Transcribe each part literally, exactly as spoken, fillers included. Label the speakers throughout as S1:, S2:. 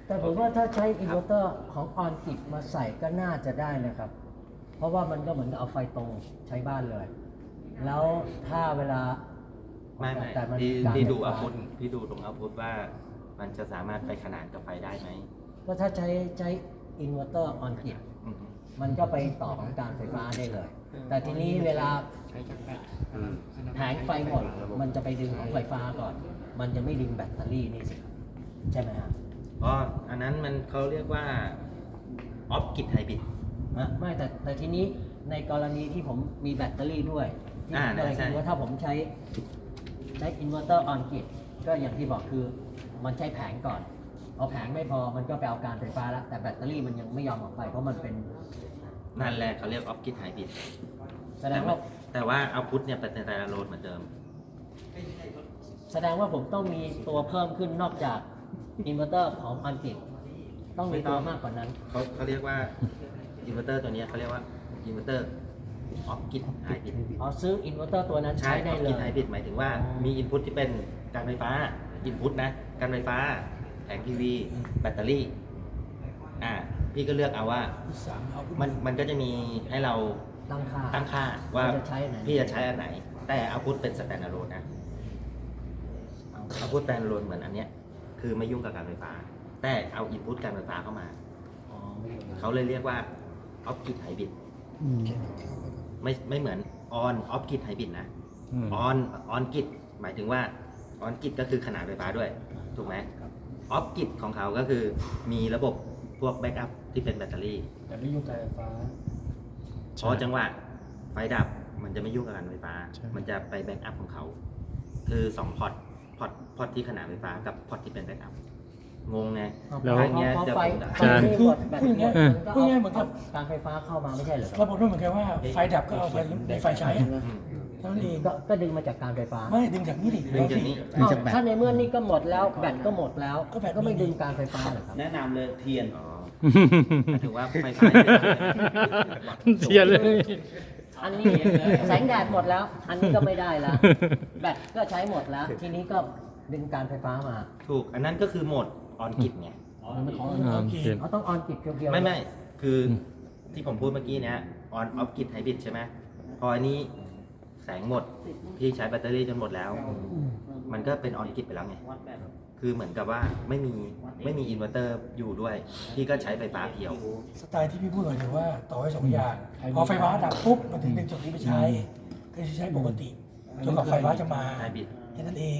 S1: แต่ผมว่าถ้าใช้อินเวอร์เตอร์ของออนกิจมาใส่ก็น่าจะได้นะครับ เพราะว่ามันก็เหมือนกับเอาไฟตรงใช้บ้านเลย แล้วถ้าเวลา
S2: ไม่ไม่
S1: แต่มัน
S2: พี่
S1: การ
S2: พี่ดู
S1: ไฟ
S2: อา
S1: ฟ้า
S2: พุทพี่ดูตรงอาพุทว่ามันจะสามารถไปขนานกับไฟได้ไหม
S1: ก็ถ้าใช้ใช้อินเวอร์เตอร์ออนกิจ
S2: อืม
S1: มันก็ไปต่อของการไฟฟ้าได้เลย แต่ทีนี้เวลาแผงไฟหมด มันจะไปดึงของไฟฟ้าก่อน มันจะไม่ดึงแบตเตอรี่นี่สิใช่ไหมครับ
S2: เพราะอันนั้นมันเขาเรียกว่าออฟกิดไฮบริด
S1: นะไม่แต่แต่ทีนี้ในกรณีที่ผมมีแบตเตอรี่ด้วยที่
S2: อ่า
S1: ผมก็เลย
S2: ใช่
S1: คิดว่าถ้าผมใช้ใช้อินเวอร์เตอร์ออนกิจก็อย่างที่บอกคือมันใช้แผงก่อน เอาแผงไม่พอมันก็ไปเอาการไฟฟ้าแล้ว แต่แบตเตอรี่มันยังไม่ยอมออกไปเพราะมันเป็น
S2: นั่นแหละเขาเรียกออฟกิดไฮบริด
S1: แสดงว่า
S2: แต่ว่าเอาพุทเนี่ยเป็นไตรโลดเหมือนเดิม
S1: แสดงว่าผมต้องมีตัวเพิ่มขึ้นนอกจากอินเวอร์เตอร์ของออนกิจต้องมีตัวมากกว่านั้น
S2: เขาเขาเรียกว่าอินเวอร์เตอร์ตัวเนี้ยเขาเรียกว่าอินเวอร์เตอร์ออฟกิดไฮบริด
S1: อ๋อซื้ออินเวอร์เตอร์ตัวนั้น
S2: ใช่
S1: ใช้
S2: อ
S1: ได้
S2: อฟ
S1: เล
S2: กิ
S1: ย
S2: ดไฮบริดหมายถึงว่ามีอินพุตที่เป็นการไฟฟ้าอินพุตนะการไฟฟ้าแผงทีวีแบตเตอรี่อ่าพี่ก็เลือกเอาว่ามันมันก็จะมีให้เรา
S1: ตั้งค่า
S2: ตั้งค่าว่า
S1: จะใช้อันไหน
S2: พี่จะใช้อันไหน แต่เอาพุทเป็นสแตนดาร์โลนนะเอาพุทสแตนดาร์โลนเหมือนอันเนี้ยคือไม่ยุ่งกับการไฟฟ้า แต่เอาอินพุตการไฟฟ้าเข้ามา
S1: อ๋อไม่รู้
S2: เขาเลยเรียกว่าออฟกิดไฮบริดไม่ไม่เหมือนออนออฟกิดไฮบริดนะออนออนกิดหมายถึงว่าออนกิดก็คือขนาดไฟฟ้าด้วย ถูกไหมออฟกิดของเขาก็คือมีระบบพวกแบ็กอัพที่เป็นแบตเตอรี่
S3: แต่ไม่ยุ่งกับไฟฟ้า
S2: เพราะจังหวะไฟดับมันจะไม่ยุ่งกับการไฟฟ้า
S4: ใช่
S2: มันจะไปแบ็กอัพของเขา คือสองพอร์ตพอร์ตพอร์ตที่ขนาดไฟฟ้ากับพอร์ตที่เป็นแบ็กอัพงงไง
S4: แล้ว
S2: อันเนี้ย
S1: พอ
S2: จะ
S1: ไฟ
S2: ผมจะ
S1: ไฟไม่หมดแบต
S3: พูดอย่างเงี้ย
S1: หมดมันก็
S3: พูดง่ายๆเหมือนกับ
S1: การไฟฟ้าเข้ามาไม่ใช่เหรอครับ
S3: ระบบนู้นเหมือนกันว่าไฟดับก็เอาไฟในไฟใช้อะ
S2: อืม
S3: เท่านั้นเอง
S1: ก็ก็ดึงมาจากการไฟฟ้า
S3: ไม่ดึงจากนี่ดิ
S2: ดึงจากนี้
S4: ดึงจากแบต
S1: ถ้าในเมื่อนี่ก็หมดแล้วแบตก็หมดแล้ว
S3: ก็แบต
S1: ก็ไม่ดึงการไฟฟ้าเหรอครับ
S5: แนะนำเลยเทียน
S2: อ๋อหมายถึงว่าไฟฟ้า
S4: เทียนเลย
S1: อันนี้แสงแดดหมดแล้ว อันนี้ก็ไม่ได้แล้ว แบตก็ใช้หมดแล้ว ทีนี้ก็ดึงการไฟฟ้ามา
S2: ถูก อันนั้นก็คือโหมดออนกิดไง
S1: มันของ
S4: อ่า
S3: โอเค
S4: เทียน
S1: เขาต้องออนกิจเพียวๆ
S2: ไม่ไม่คือที่ผมพูดเมื่อกี้เนี้ยออนออฟกิดไฮบริดใช่ไหมพออันนี้แสงหมดพี่ใช้แบตเตอรี่จนหมดแล้ว มันก็เป็นออนกิดไปแล้วไง คือเหมือนกับว่าไม่มีไม่มีอินเวอร์เตอร์อยู่ด้วย พี่ก็ใช้ไฟฟ้าเพียว
S3: สไตล์ที่พี่พูดหมายถึงว่าต่อให้สองอย่างพอไฟฟ้าดับปุ๊บมันถึงดึงจุดนี้ไปใช้ก็จะใช้ปกติจนกว่าไฟฟ้าจะมา
S2: ไฮบริด
S3: แค่นั้นเอง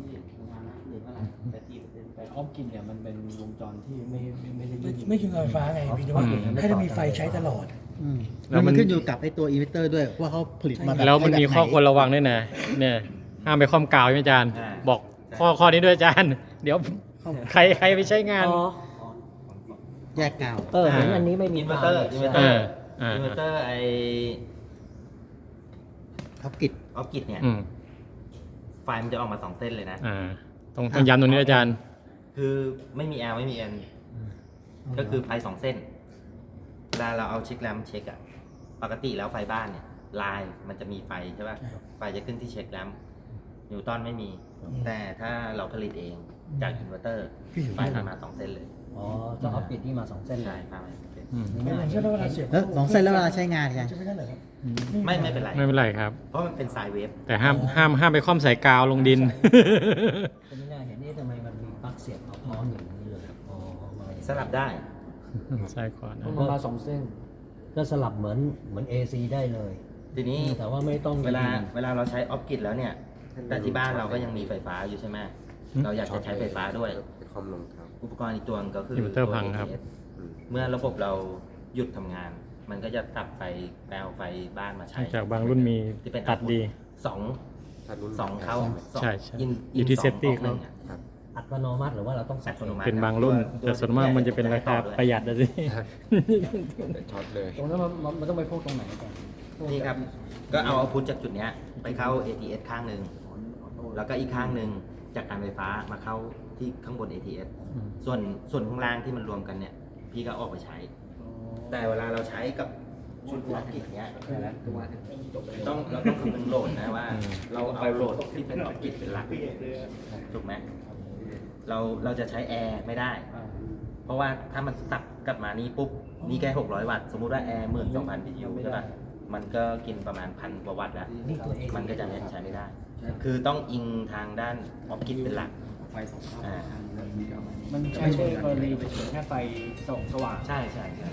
S5: แต่ออฟกินเนี่ยมันเป็นวงจรที่ไม่ไม่ไม่ได้
S3: ไม่
S5: ยืด
S3: ไม่กินไฟฟ้าไงพี่แต่ว่าให้ได้มีไฟใช้ตลอด
S4: แล้วมัน
S6: ขึ้นอยู่กับไอ้ตัวอินเวอร์เตอร์ด้วยว่าเขาผลิตมาแบบ
S4: แล้วมันมี
S6: ใช้แบบ
S4: ข้อ
S6: ไห
S4: ควรระวังด้วยนะ เนี่ยห้ามไปคว่ำกาวใช่ไหมอาจารย์ บอกข้อข้อนี้ด้วยอาจารย์ เดี๋ยวใครใครไปใช้งาน
S1: อ๋อ
S6: แยกกาว
S1: เออเหมือนอันนี้ไม่มี
S2: อินเวอร์เตอร์
S1: ไฟ
S2: อินเวอร์เตอร์
S4: อ่า
S2: อินเวอร์เตอร์ไอ
S6: ท็อปกิจ
S2: ออฟกิดเนี่ย
S4: อืม
S2: ไฟมันจะออกมาสองเส้นเลยนะ
S4: อ่าต้องต้องย้ำตรงนี้อาจารย์
S2: คือไม่มี L ไม่มี N ก็คือไฟสองเส้นเวลาเราเอาเช็คแรมเช็คอะปกติแล้วไฟบ้านเนี่ยลายมันจะมีไฟใช่ป่ะไฟจะขึ้นที่เช็คแรมนิวตันไม่มี แต่ถ้าเราผลิตเองจากอินเวอร์เตอร์ไฟมันมาสองเส้นเลย
S1: อ๋อจะเอาปิดที่มาสองเส้นเล
S2: ใช่
S1: ย
S2: ไฟมาสองเส้น
S4: อืม
S3: ไม่เหมือนเช่นเวลาเสียบ
S6: แล้วสองเส้นแล้วเวลาใช้งานกัน
S3: จะไม่ได้เหรอครับ
S2: ไม่ไม่เป็นไร
S4: ไม่เป็นไรครับ
S2: เพราะมันเป็นสายเวฟ
S4: แต่ห้ามห้ามห้ามไปคว่ำใส่กาวลงดิน
S1: ก็ไม่น่าเห็นนี่ทำไมมันมีปลั๊กเสียบเอาพร้อมอย่างนี้เลยอ๋อมา
S2: สลับได้
S4: ใช่ก่อนนะ
S5: มันมาสองเส้น
S1: ก็สลับเหมือนเหมือน เอ ซี ได้เลย
S2: ทีนี้
S1: แต่ว่าไม่ต้อง
S2: เวลาเวลาเราใช้ออฟกิดแล้วเนี่ย แต่ที่บ้านเราก็ยังมีไฟฟ้าอยู่ใช่ไหมเราอยากจะใช้ไฟฟ้าด้วย
S5: คอมลงครับ
S2: อุปกรณ์อีกตัวนึงก็คือ
S4: อินเวอร์เตอร์
S2: ตัว
S4: พังครับ
S2: เอ ที เอส เมื่อระบบเราหยุดทำงาน มันก็จะตัดไฟแปลวไฟบ้านมาใช้
S4: จากบางรุ่นมี
S2: ที่เป็น
S4: ตัดดี
S2: สองสองเข้าสอง
S4: ใช่ใช่
S2: อิน
S4: อยู่ที่
S2: สง
S4: setting
S2: กหนึ่งอะ
S1: อัตโนมัติหรือว่าเราต้องสั
S2: อั
S1: บ
S2: ตโนมัติ
S4: เป็นบางรุ่น แต่ส่วนมากมันจะเป็นราคาประหยัดนะสิ
S5: ช็อตเลย ตรงนั้นมันมันมันต้องไปพวกตรงไหนกัน
S2: นี่ครับ ก็เอาเอาพุทจากจุดเนี้ยไปเข้า เอ ที เอส ข้างหนึ่ง แล้วก็อีกข้างหนึ่งจากการไฟฟ้ามาเข้าที่ข้างบน เอ ที เอส
S4: อืม
S2: ส่วนส่วนข้างล่างที่มันรวมกันเนี่ย พี่ก็ออกไปใช้ แต่เวลาเราใช้กับชุดออฟกิดเนี้ยต้องเราต้องคำนึงโหลดนะว่า เราเอาโหลดที่เป็นออฟกิดเป็นหลักถูกไหมเราเราจะใช้แอร์ไม่ได้ เราะว่าถ้ามันตัดกลับมานี่ปุ๊บนี่แค่หกร้อยวัตต์สมมุติว่าแอร์หมื่นสองพันบีทียูใช่ป่ะมันก็กินประมาณพันกว่าวัตต์แล้ว
S1: นี่ตัวเอง
S2: มันก็จะใช้ไม่ได้ คือต้องอิงทางด้านออฟกิดเป็นหลัก
S5: ไฟสอง
S2: อ่า
S5: มันใช้ในกรณีเฉยๆแค่ไฟส่องสว่าง
S2: ใช่ใช่ใช่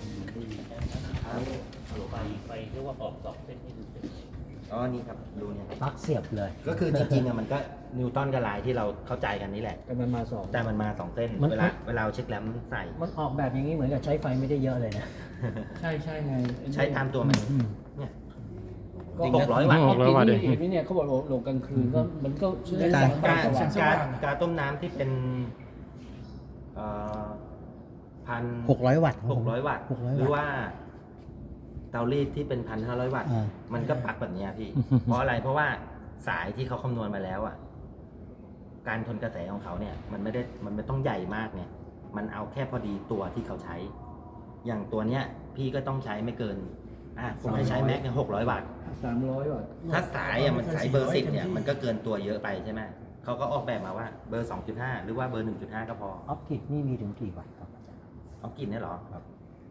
S1: ไฟไฟเรียกว่าออกสองเส้นนี่ดูสิ
S2: อ๋อนี่ครับดูเนี่ย
S1: ปลั๊กเสียบเลย
S2: ก็คือจริงๆอะมันก็นิวตันกับไลน์ที่เราเข้าใจกันนี่แหละ
S5: แต่มันมาสอง
S2: แต่มันมาสองเส้น
S1: มัน
S2: เวลาเวลาเอาเช็คแรมใส่
S1: มันออกแบบอย่างนี้เหมือนกับใช้ไฟไม่ได้เยอะเลยนะ
S5: ใช่ใช่ไง
S2: ใช้ตามตัวมันเนี่ย
S5: ก็
S2: หกร้อยวัตต์
S4: หกร้อยวัตต์
S5: เห็นไหมเนี่ยเขาบอกว่าลงกลางคืนก็มันก็ได้
S3: แส
S5: แส
S3: ง
S5: ง
S3: ไฟ
S2: การ
S3: สว่างส
S2: การ
S3: ว่าง
S2: การต้มน้ำที่เป็นเอ่อพัน
S6: หกร้อยวัตต์
S2: หกร้อยวัตต์
S6: หกร้อย
S2: หรือ
S6: วัตต์
S2: ว่าเตารีดที่เป็นพันห้าร้อยวัตต์
S6: อ่า
S2: มันก็ปักแบบเนี้ยพี่ เพราะอะไรเพราะว่าสายที่เขาคำนวณมาแล้วอ่ะการทนกระแสของเขาเนี่ย มันไม่ได้มันไม่ต้องใหญ่มากเนี่ย มันเอาแค่พอดีตัวที่เขาใช้ อย่างตัวเนี้ย พี่ก็ต้องใช้ไม่เกินอ่ะผมให้ใช้แม็กเนี่ยหกร้อยวัตต์
S5: สามร้อยวัตต์
S2: ถ้าสายอ่ะมันสายเบอร์สิบเนี่ยมันก็เกินตัวเยอะไปใช่ไหมเขาก็ออกแบบมาว่าเบอร์สองจุดห้าหรือว่าเบอร์หนึ่งจุดห้าก็พอ
S1: ออฟกิดนี่มีถึงกี่วัตต์ครับอาจารย์
S2: เอากินเนี่ยเหรอครับ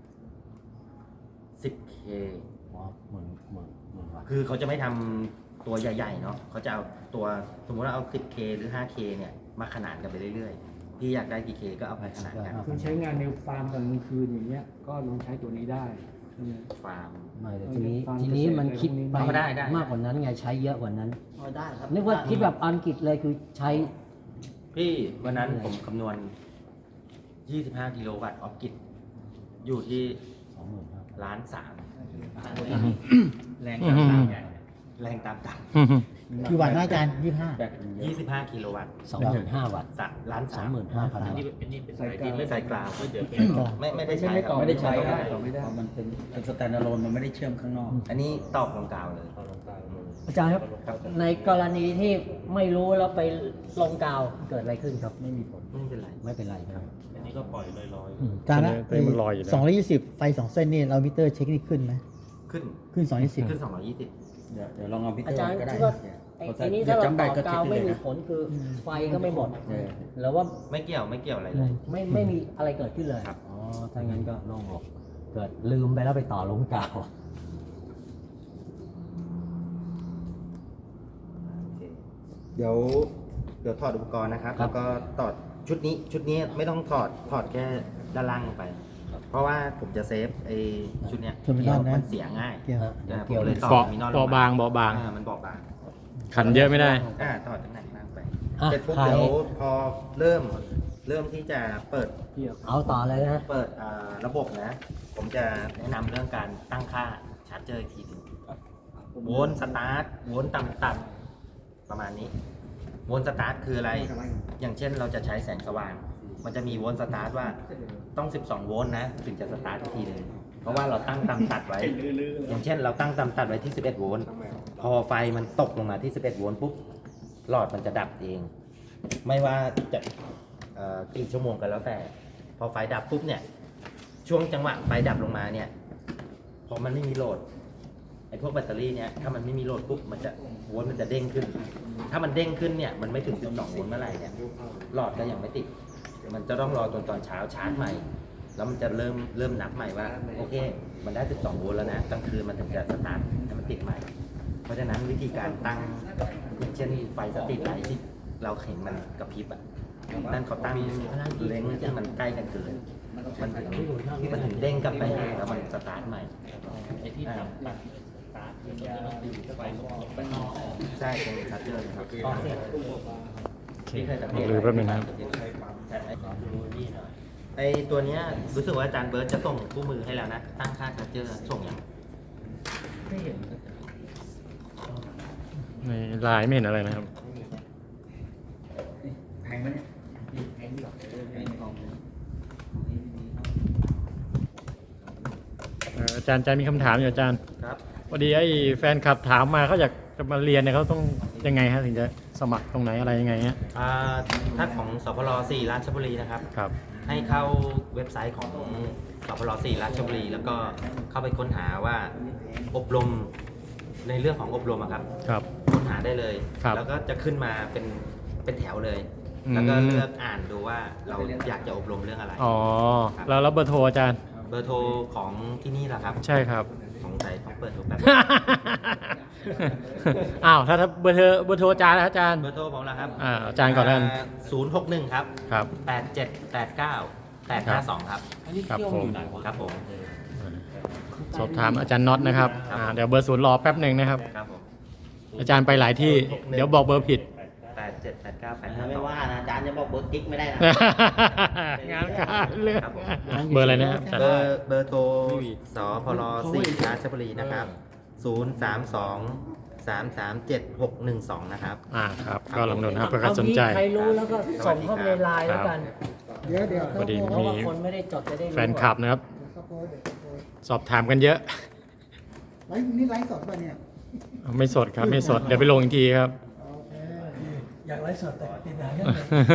S2: สิบเค
S1: อ๋อหมื่นหมื่นหมื่นวัตต์
S2: คือเขาจะไม่ทำตัวใหญ่ๆเนาะเขาจะเอาตัวสมมุติว่าเอา สิบเค หรือ ห้าเค เนี่ยมาขนานกันไปเรื่อยๆ พี่อยากได้กี่เคก็เอาไปขนานกัน
S5: คือใช้งานในฟาร์มกลางคืนอย่างเงี้ยก็ลองใช้ตัวนี้ได้ใช่ไหม
S2: ฟาร์ม
S1: ไม่แต่ทีนี้
S5: ฟัง
S1: ทีนี้มันคิดไป
S2: เอาได้ได้
S1: มากกว่านั้นไงใช้เยอะกว่านั้น
S6: ได้ครับ
S1: นึกว่าคิดแบบอังกฤษเลยคือใช้
S2: พี่วันนั้นผมคำนวณ ยี่สิบห้า กิโลวัตต์ออฟกิดอยู่ที่
S1: สองหมื่นห้า
S2: ล้านสาม
S6: แรง
S4: อืม
S2: แรงตามต่
S6: กี่วัตต์นะอาจารย์ยี่ห้า
S2: ำยี่สิบห้า กิโลวัตต์
S1: สองหมื่นห้าวัตต์
S2: สามล้าน
S1: สอ
S2: สาง ม
S1: หมื่นห้าพันวัตต์
S5: ใส่กลาง
S2: ใส่กลางไม่ไม่ได้ใช้
S5: ไม่
S2: ครับ
S5: ไม่ได้ใช้ได้ไม่ได้
S6: มันเป็นเป็นสแตนด์อะโลนมันไม่ได้เชื่อมข้างนอก
S2: อันนี้ตอกลงกาวเลย
S1: อาจารย์ครับ ในกรณีที่ไม่รู้แล้วไปลงกาวเกิดอะไรขึ้นครับ ไม่มีผล
S2: ไม่เป็นไร
S1: ไม่เป็นไรครับ
S2: อันนี้ก็ปล่อยลอย
S1: อืม
S6: จานละ
S4: ตัวนี้มันลอยอยู่แล้ว
S6: สองร้อยยี่สิบไฟสองเส้นนี่เรามิเตอร์เช็คนี่ขึ้นไหม
S2: ๆขึ้น
S6: ขึ้นสองยี่สิบ
S2: ขึ้นสองร้อยยี่สิบ
S6: เดี๋ยวเดี๋ยวลองเอามิเตอ
S1: อา
S6: ร์
S1: จารย์
S6: ก็ได้
S1: คิดว่าไอ้ไอ้นี้ถ้าเราต่อกาวไม่มีผลคือไฟก็ไม่หมดหรือว่า
S2: ไม่เกี่ยวไม่เกี่ยวอะไรเลย
S1: ไม่ไม่มีอะไรเกิดขึ้นเลย
S2: ครับ
S1: อ๋อ ถ้างั้นก็โล่งอกเกิดลืมไปแล้วไปต่อลงกาว
S2: เดี๋ยวเดี๋ยวถอดอุปกรณ์นะครับ
S1: ครับ
S2: แล้วก็ถอดชุดนี้ชุดนี้ไม่ต้องถอดถอดแค่ด้านล่างลงไป เพราะว่าผมจะเซฟไอ้ชุดเนี้ย
S6: เทอร์มินอลนะ
S2: มันเสียง่าย
S6: เกี่ยว
S1: เออ
S2: อ่า
S1: เกี่ยว
S2: ผม
S1: เล
S2: เลย ยต่อ
S4: เบาะ
S2: มีนอนล
S4: เบาะบางเบาะบาง
S2: อ่ามันเบาะบาง
S4: ขันเยอะไม่ได้
S2: อ่าถอดตั้งไหนล่างไป
S1: อ่ะ
S2: เสร็จปุ๊บ
S1: ใคร
S2: เดี๋ยวพอเริ่มเริ่มที่จะเปิด
S1: เอาต่อเลยนะ
S2: เปิดอ่าระบบนะ ผมจะแนะนำเรื่องการตั้งค่าชาร์จเจอร์อีกทีหนึงโวลต์สตาร์ทโวลต์ต่ำต่ำประมาณนี้โวลต์สตาร์ทคืออะไร อย่างเช่นเราจะใช้แสงสว่าง มันจะมีโวลต์สตาร์ทว่าต้อง สิบสอง โวลต์นะ ถึงจะสตาร์ทอีกทีหนึงเพราะว่าเราตั้งต่ำตัดไว้ อย่างเช่น เราตั้งต่ำตัดไว้ที่ สิบเอ็ด โวลต์พอไฟมันตกลงมาที่ สิบเอ็ด โวลต์ปุ๊บหลอดมันจะดับเอง ไม่ว่าจะเอ่อกี่ชั่วโมงกันแล้วแต่ พอไฟดับปุ๊บเนี่ย ช่วงจังหวะไฟดับลงมาเนี่ย พอมันไม่มีโหลดไอ้พวกแบตเตอรี่เนี่ยถ้ามันไม่มีโหลดปุ๊บมันจะโวลต์มันจะเด้งขึ้น ถ้ามันเด้งขึ้นเนี่ยมันไม่ถึง สิบสอง โวลต์เมื่อไหร่เนี่ยหลอดก็ยังไม่ติด มันจะต้องรอจนตอนเช้าชาร์จใหม่ แล้วมันจะเริ่มเริ่มนับใหม่ว่าโอเค มันได้ สิบสอง โวลต์แล้วนะกลางคืนมันถึงจะสตาร์ทให้มันติดใหม่ เพราะฉะนั้นวิธีการตั้งอย่างเช่นไฟสตรีทไลท์ที่เราเห็นมันกระพริบอ่ะนั่นเขาตั้งเล้งที่มันใกล้กันเกินมันถึงมันถึงเด้งกลับไปหาแล้วมันสตาร์ทใหม่ไอ้ที่ทำตัดสตาร์ทมันจะต้องดึงไฟไปใช่ตรงชาร์จเจอร์นะครับที่เคยสังเกต
S4: หรือแป๊บนึงนะครับ
S2: ใช่ไหมไอตัวเนี้ยรู้สึกว่าอาจารย์เบิร์ตจะส่งคู่มือให้แล้วนะ ตั้งค่าชาร์จเจอร์ส่งยัง
S4: ในไลน์ไม่เห็นอะไรนะครับ
S6: แพงไหมเนี่ย
S4: เอ่ออาจารย์อาจารย์มีคำถามอยู่อาจารย์
S2: ครับ
S4: พอดีไอ้แฟนคลับถามมาเขาอยากจะมาเรียนเนี่ยเขาต้องยังไงฮะถึงจะสมัครตรงไหนอะไรยังไงฮะ
S2: อ่าถ้าของสพลสี่ราชบุรีนะครับ
S4: ครับ
S2: ให้เข้าเว็บไซต์ของสพลสี่ราชบุรี แล้วก็เข้าไปค้นหาว่าอบรมในเรื่องของอบรมอะครับ
S4: ครับ
S2: ค้นหาได้เลย
S4: ครับ
S2: แล้วก็จะขึ้นมาเป็นเป็นแถวเลยแล้วก็
S4: อืม
S2: เลือกอ่านดูว่าเราอยากจะอบรมเรื่องอะไร
S4: อ๋อ แล้วแล้วเบอร์โทรอาจารย์
S2: เบอร์โทรของที่นี่แหละครับ
S4: ใช่ครับ
S2: สงสัยต้องเปิดดูแป๊บ
S4: อ้าวถ้าถ้าเบอร์โทรเบอร์โทรอาจารย์นะอาจารย์
S2: เบอร์โทรผมละครับ
S4: อ่าอาจารย์ก่อนแล้วกัน
S2: ศูนย์หกหนึ่งครับ
S4: ครับ
S2: แปดเจ็ดแปดเก้าแปดห้าสองครับ
S4: ครับผม
S2: ครับผม
S4: สอบถามอาจารย์น็อตนะครับอ่าเดี๋ยวเบอร์ศูนย์รอแป๊บหนึ่งนะครับ
S2: ครับผม
S4: อาจารย์ไปหลายที่ เดี๋ยวบอกเบอร์ผิด
S2: แปดเจ็ดแปดเก้าแปดห้า
S1: ไม่
S2: สอง
S1: ว่านะอาจารย์จะบอกเบอร์กิ๊กไม่ได้นะ
S4: งานการเรื่อง
S2: ครับผม
S4: เบอร์อะไรนะครับอาจาร
S2: เบ
S4: ย์
S2: อร์เบอร์โทรสพลสี่ราชบุรีนะครับศูนย์สามสองสามสามเจ็ดหกหนึ่งสองนะครับ
S4: อ่าครับ ก็ลองดูนะครับเพื่อใครสนใจ
S1: เอางี้ใครรู้แล้วก็ส่งเข้าไปในไลน์แล้วกัน
S6: เดี๋ยวเดี๋ยว
S4: พอดี
S1: เพราะ
S4: มี
S1: ว่าคนไม่ได้จดจะได้รู้
S4: แฟนคลับนะครับ สอบถามกันเยอะ
S6: ไลฟ์นี่ไลฟ์สดป่ะเนี่ย
S4: ไม่สดครับไม่สด เดี๋ยวไปลงอีกทีครับ
S3: อยากไลฟ์สดแต่ติดหนังเนี่ย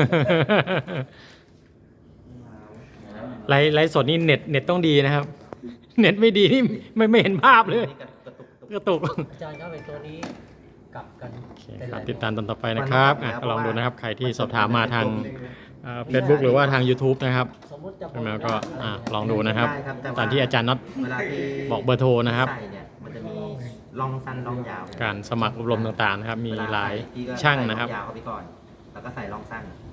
S4: ไลฟ์ไลฟ์สดนี่เน็ตเน็ตต้องดีนะครับ เน็ตไม่ดีนี่ไม่ไม่เห็นภาพเลย
S2: นี่กระตุกกระตุก
S4: กระตุก
S1: อาจารย์ครับไอ้ตัวนี้กลับกัน
S4: โอเค
S1: เป็น
S4: ค
S1: ไร
S4: รับติดตามตอนต่อไปนะครับอ่ะก็ลองดูนะครับ ใครที่สอบถามมาทางเฟซบุ๊กหรือว่าทาง YouTube นะครับ
S1: สมมติจะ
S4: แล้วก็อ่ะลองดูนะครับ
S2: ได้ครับแต่ว่า
S4: ตามที่อาจารย์น็อต
S2: เวลาที่
S4: บอกเบอร์โทรนะครับ
S2: ใส่เนี่ยมันจะมีร่องสั้นร่องยาว
S4: การสมัครอบรมต่างๆนะครับ มี
S2: เว
S4: หลาย
S2: ใส่พี่ก็
S4: ช่าง
S2: ใส่
S4: นะครับ
S2: องยาวเข้าไปก่อน แล้วก็ใส่ร่องสั้น